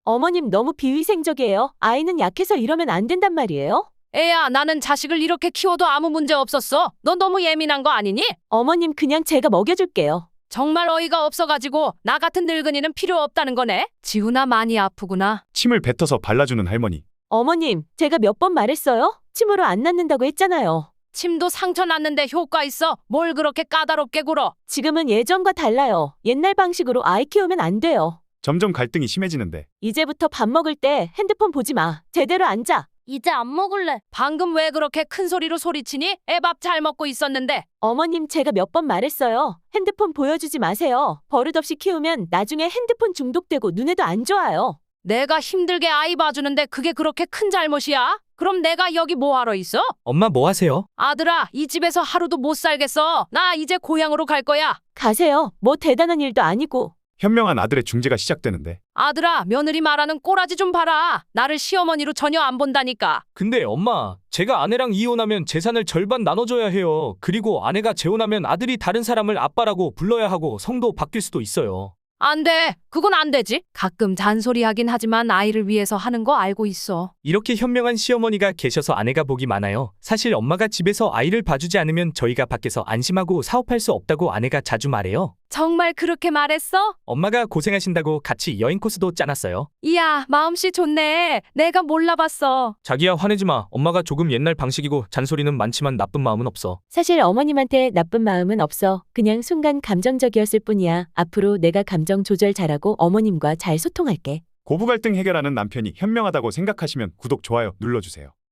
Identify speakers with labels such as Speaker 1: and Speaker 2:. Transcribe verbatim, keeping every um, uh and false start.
Speaker 1: 어머님 너무 비위생적이에요. 아이는 약해서 이러면 안 된단 말이에요.
Speaker 2: 애야, 나는 자식을 이렇게 키워도 아무 문제 없었어. 너 너무 예민한 거 아니니?
Speaker 1: 어머님 그냥 제가 먹여줄게요.
Speaker 2: 정말 어이가 없어가지고 나 같은 늙은이는 필요 없다는 거네. 지훈아 많이 아프구나.
Speaker 3: 침을 뱉어서 발라주는 할머니.
Speaker 1: 어머님, 제가 몇 번 말했어요? 침으로 안 낫는다고 했잖아요.
Speaker 2: 침도 상처 났는데 효과 있어. 뭘 그렇게 까다롭게 굴어.
Speaker 1: 지금은 예전과 달라요. 옛날 방식으로 아이 키우면 안 돼요.
Speaker 3: 점점 갈등이 심해지는데
Speaker 1: 이제부터 밥 먹을 때 핸드폰 보지 마. 제대로 앉아.
Speaker 4: 이제 안 먹을래.
Speaker 2: 방금 왜 그렇게 큰 소리로 소리치니? 애 밥 잘 먹고 있었는데.
Speaker 1: 어머님 제가 몇 번 말했어요. 핸드폰 보여주지 마세요. 버릇없이 키우면 나중에 핸드폰 중독되고 눈에도 안 좋아요.
Speaker 2: 내가 힘들게 아이 봐주는데 그게 그렇게 큰 잘못이야? 그럼 내가 여기 뭐하러 있어?
Speaker 5: 엄마 뭐 하세요?
Speaker 2: 아들아, 이 집에서 하루도 못 살겠어. 나 이제 고향으로 갈 거야.
Speaker 1: 가세요. 뭐 대단한 일도 아니고.
Speaker 3: 현명한 아들의 중재가 시작되는데
Speaker 2: 아들아, 며느리 말하는 꼬라지 좀 봐라. 나를 시어머니로 전혀 안 본다니까.
Speaker 5: 근데 엄마, 제가 아내랑 이혼하면 재산을 절반 나눠줘야 해요. 그리고 아내가 재혼하면 아들이 다른 사람을 아빠라고 불러야 하고 성도 바뀔 수도 있어요.
Speaker 2: 안 돼. 그건 안 되지. 가끔 잔소리하긴 하지만 아이를 위해서 하는 거 알고 있어.
Speaker 5: 이렇게 현명한 시어머니가 계셔서 아내가 복이 많아요. 사실 엄마가 집에서 아이를 봐주지 않으면 저희가 밖에서 안심하고 사업할 수 없다고 아내가 자주 말해요.
Speaker 2: 정말 그렇게 말했어?
Speaker 5: 엄마가 고생하신다고 같이 여행 코스도 짜놨어요.
Speaker 2: 이야, 마음씨 좋네. 내가 몰라봤어.
Speaker 5: 자기야 화내지 마. 엄마가 조금 옛날 방식이고 잔소리는 많지만 나쁜 마음은 없어.
Speaker 1: 사실 어머님한테 나쁜 마음은 없어. 그냥 순간 감정적이었을 뿐이야. 앞으로 내가 감정 조절 잘하고 어머님과 잘 소통할게.
Speaker 3: 고부 갈등 해결하는 남편이 현명하다고 생각하시면 구독, 좋아요 눌러주세요.